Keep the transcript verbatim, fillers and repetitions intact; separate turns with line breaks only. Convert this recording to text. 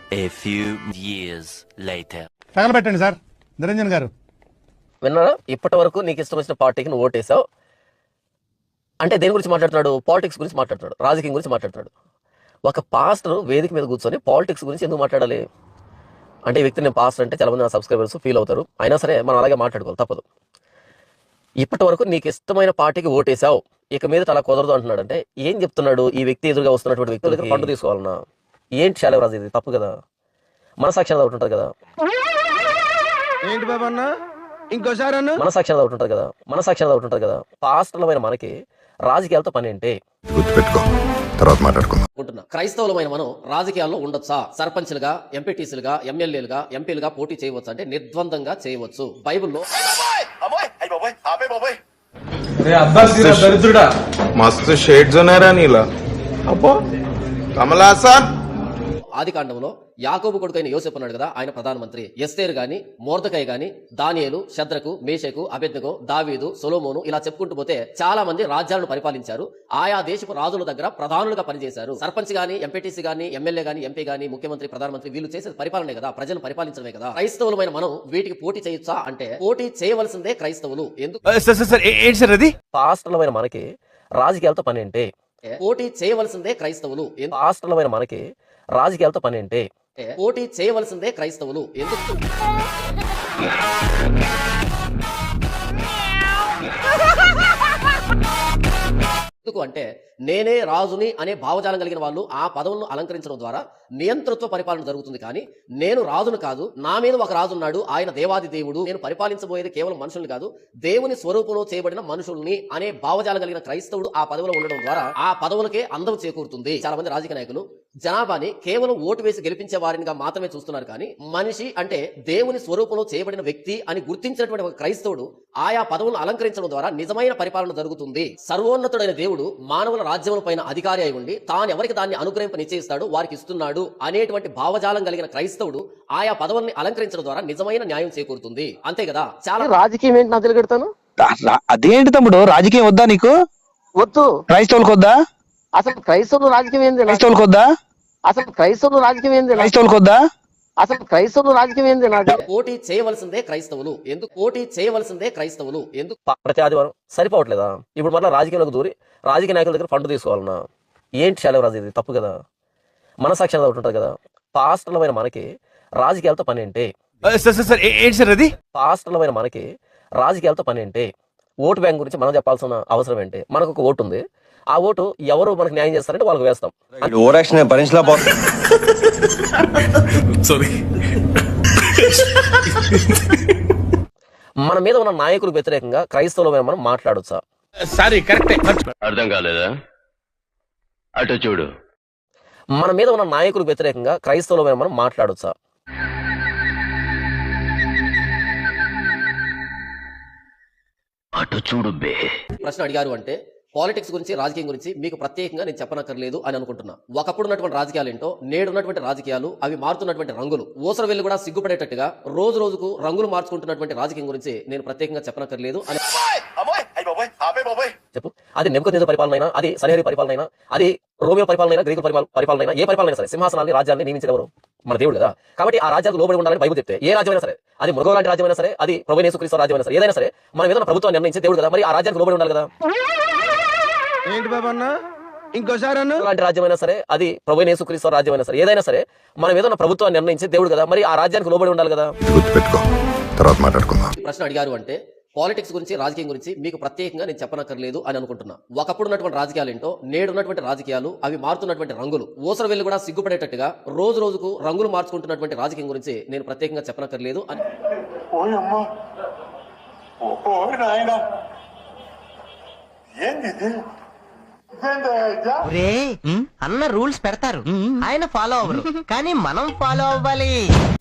A few years later.
తగలబెట్టండి sir Niranjan గారు.
విన్నారా? ఇప్పటి వరకు నీకు ఇష్టం వచ్చిన పార్టీకి నువ్వు ఓటేసావు అంటే దేని గురించి మాట్లాడుతున్నాడు? పాలిటిక్స్ గురించి మాట్లాడుతున్నాడు, రాజకీయం గురించి మాట్లాడుతున్నాడు. ఒక పాస్టర్ వేదిక మీద కూర్చొని పాలిటిక్స్ గురించి ఎందుకు మాట్లాడాలి అంటే, ఈ వ్యక్తి నేను పాస్టర్ అంటే చాలా మంది నా సబ్స్క్రైబర్స్ ఫీల్ అవుతారు. అయినా సరే మనం అలాగే మాట్లాడుకోవాలి, తప్పదు. ఇప్పటి వరకు నీకు ఇష్టమైన పార్టీకి ఓటేసావు, ఇక మీద అలా కుదరదు అంటున్నాడు. అంటే ఏం చెప్తున్నాడు? ఈ వ్యక్తి ఎదురుగా వస్తున్నటువంటి వ్యక్తుల దగ్గర ఫండ్ తీసుకోవాలన్నా ఏంటి? శాలవరాజు ఇది తప్పు కదా, మనసాక్షి ఒకటి ఉంటుంది కదా.
ఏంటి బాబన్న ఇంకోసారి
మనసాక్షి ఒకటి ఉంటుంది కదా, మనసాక్షి ఒకటి ఉంటుంది కదా. పాస్టర్లమైన మనకి రాజకీయాలతో పని ఏంటి?
గుర్తుపెట్టుకో, తర్వాత మాట్లాడుకుందాం.
క్రైస్తవులమైన మనం రాజకీయాల్లో ఉండొచ్చా? సర్పంచ్లుగా, ఎంపీటీసీలుగా, ఎమ్మెల్యేలుగా, ఎంపీలుగా పోటీ చేయవచ్చు అంటే నిర్ద్వందంగా చేయవచ్చు. బైబిల్లో
మస్తు షేడ్స్ ఉన్నారా నీలా? అబ్బో కమలాసన్.
ఆది కాండంలో యాకోబు కొడుకైన యోసేపు అన్నాడు కదా, ఆయన ప్రధానమంత్రి. ఎస్తేరు గాని, మోర్దెకై గాని, దానియేలు, షద్రకు, మేషకు, అబేద్నెగో, దావీదు, సొలొమోను ఇలా చెప్పుకుంటూ పోతే చాలా మంది రాజ్యాలను పరిపాలించారు. ఆయా దేశపు రాజుల దగ్గర ప్రధానులుగా పనిచేశారు. సర్పంచ్ గాని, ఎంపీటీసీ గాని, ఎమ్మెల్యే గాని, ఎంపీ గాని, ముఖ్యమంత్రి, ప్రధానమంత్రి వీళ్ళు చేసేది పరిపాలనే కదా, ప్రజలను పరిపాలించడమే కదా. క్రైస్తవులమైన మనం వీటికి పోటీ చేయొచ్చా అంటే పోటీ చేయవలసిందే క్రైస్తవులు. ఎందుకు? పాస్టర్లమైన మనకి రాజకీయాలతో పని ఏంటి? పోటీ చేయవలసిందే క్రైస్తవులు. పాస్టర్లమైన మనకి రాజకీయాలతో పని ఏంటి? పోటీ చేయవలసిందే క్రైస్తవులు. ఎందుకు? ఎందుకు అంటే నేనే రాజుని అనే భావజాలం కలిగిన వాళ్ళు ఆ పదవులను అలంకరించడం ద్వారా నియంతృత్వ పరిపాలన జరుగుతుంది. కానీ నేను రాజును కాదు, నా మీద ఒక రాజు ఉన్నాడు, ఆయన దేవాది దేవుడు, నేను పరిపాలించబోయేది కేవలం మనుషుల్ని కాదు, దేవుని స్వరూపంలో చేయబడిన మనుషుల్ని అనే భావజాలం కలిగిన క్రైస్తవుడు ఆ పదవిలో ఉండడం ద్వారా ఆ పదవులకే అందం చేకూరుతుంది. చాలా మంది రాజకీయ నాయకులు జనాభాని కేవలం ఓటు వేసి గెలిపించే వారినిగా మాత్రమే చూస్తున్నారు. కానీ మనిషి అంటే దేవుని స్వరూపంలో చేయబడిన వ్యక్తి అని గుర్తించినటువంటి ఒక క్రైస్తవుడు ఆయా పదవులను అలంకరించడం ద్వారా నిజమైన పరిపాలన జరుగుతుంది. సర్వోన్నతుడైన దేవుడు మానవుల రాజ్యముల పైన అధికారి అయి ఉండి తాను ఎవరికి దాన్ని అనుగ్రహింప నిశ్చయిస్తాడు వారికి ఇస్తున్నాడు అనేటువంటి భావజాలం కలిగిన క్రైస్తవుడు ఆయా పదవుల్ని అలంకరించడం ద్వారా నిజమైన న్యాయం చేకూరుతుంది. అంతే కదా. చాలా రాజకీయం ఏంటి నాకు తెలియగడతాను.
అదేంటి తమ్ముడు, రాజకీయం వద్దా నీకు?
వద్దు.
క్రైస్తవులకు వద్దా?
అసలు క్రైస్తవులు రాజకీయం ఏంది?
క్రైస్తవులకు వద్దా?
అసలు క్రైస్తవులు రాజకీయం ఏంది?
క్రైస్తవులకు వద్దా?
అసలు క్రైస్తవులు రాజకీయం ఏంది? పోటీ చేయవలసిందే క్రైస్తవులు. ఎందుకు పోటీ చేయవలసిందే క్రైస్తవులు? ఎందుకు? ప్రతి ఆదివారం సరిపోవట్లేదా? ఇప్పుడు మళ్ళీ రాజకీయాలకు దూరి రాజకీయ నాయకుల దగ్గర ఫండ్ తీసుకోవాలన్నా ఏంటి? శాలవరాజు ఇది తప్పు కదా, మనసాక్షి ఒకటి ఉంటుంది కదా. పాస్టర్లమైన మనకి రాజకీయాలతో పని ఏంటి? పాస్టర్లమైన మనకి రాజకీయాలతో పని ఏంటి? ఓటు బ్యాంక్ గురించి మనం చెప్పాల్సిన అవసరం ఏంటి? మనకు ఒక ఓటు ఉంది, ఆ ఓటు ఎవరు మనకు న్యాయం చేస్తారంటే వాళ్ళకి వేస్తాం. మన మీద ఉన్న నాయకులకు వ్యతిరేకంగా క్రైస్తవులమైన మనం మాట్లాడొచ్చా?
అర్థం కాలేదా? అటు చూడు.
మన మీద ఉన్న నాయకులకు వ్యతిరేకంగా క్రైస్తవులమైన మనం మాట్లాడొచ్చా?
అటు చూడు బే.
ప్రశ్న అడిగారు అంటే పాలిటిక్స్ గురించి, రాజకీయం గురించి మీకు ప్రత్యేకంగా నేను చెప్పనక్కర్లేదు అని అనుకుంటున్నా. ఒకప్పుడు ఉన్నటువంటి రాజకీయాలు ఏంటో, నేడు ఉన్నటువంటి రాజకీయాలు, అవి మారుతున్నటువంటి రంగులు, ఊసర వెళ్ళి కూడా సిగ్గుపడేటట్టుగా రోజు రోజుకు రంగులు మార్చుకుంటున్నటువంటి రాజకీయం గురించి నేను ప్రత్యేకంగా చెప్పనక్కర్లేదు అని చెప్పు. అది నెబుకద్నెజరు పరిపాలన అయినా, అది సన్హెరీబు పరిపాలన అయినా, అది రోమియో పరిపాలన అయినా, గ్రీకు పరిపాలన అయినా, ఏ పరిపాలన అయినా సరే సింహాసనాన్ని, రాజ్యాన్ని నియమించగలరు మన దేవుడు కదా. కాబట్టి ఆ రాజ్యాలకు లోబడి ఉండాలని బైబిల్ చెప్తే, ఏ రాజ్యమైనా సరే, అది మృగం లాంటి రాజ్యమైనా సరే, అది ప్రభువైన యేసుక్రీస్తు రాజ్యమైనా సరే, ఏదైనా సరే మన ఏదైనా ప్రభుత్వాన్ని నిర్ణయించే దేవుడు కదా, మరి ఆ రాజ్యానికి లోబడి ఉండాలి కదా.
ఏంటి బాబన్న ఇంకోసారి
లాంటి రాజ్యమైనా సరే, అది ప్రభువైన యేసుక్రీస్తు రాజ్యమైనా సరే, ఏదైనా సరే మనం ఏదైనా ప్రభుత్వాన్ని నిర్ణయించే దేవుడు కదా, మరి ఆ రాజ్యానికి లోబడి ఉండాలి కదా.
గుర్తుపెట్టుకో, తర్వాత మాట్లాడుకుందాం.
ప్రశ్న అడిగారు అంటే పాలిటిక్స్ గురించి, రాజకీయం గురించి మీకు ప్రత్యేకంగా నేను చెప్పనక్కర్లేదు అని అనుకుంటున్నా. ఒకప్పుడు ఉన్నటువంటి రాజకీయాలు ఏంటో, నేడు ఉన్నటువంటి రాజకీయాలు, అవి మారుతున్నటువంటి రంగులు, ఊసర వెళ్ళి కూడా సిగ్గుపడేటట్టుగా రోజు రోజుకు రంగులు మార్చుకుంటున్నటువంటి రాజకీయం గురించి నేను ప్రత్యేకంగా చెప్పనక్కర్లేదు అని.
అన్న రూల్స్ పెడతారు, ఆయన ఫాలో అవ్వరు, కానీ మనం ఫాలో అవ్వాలి.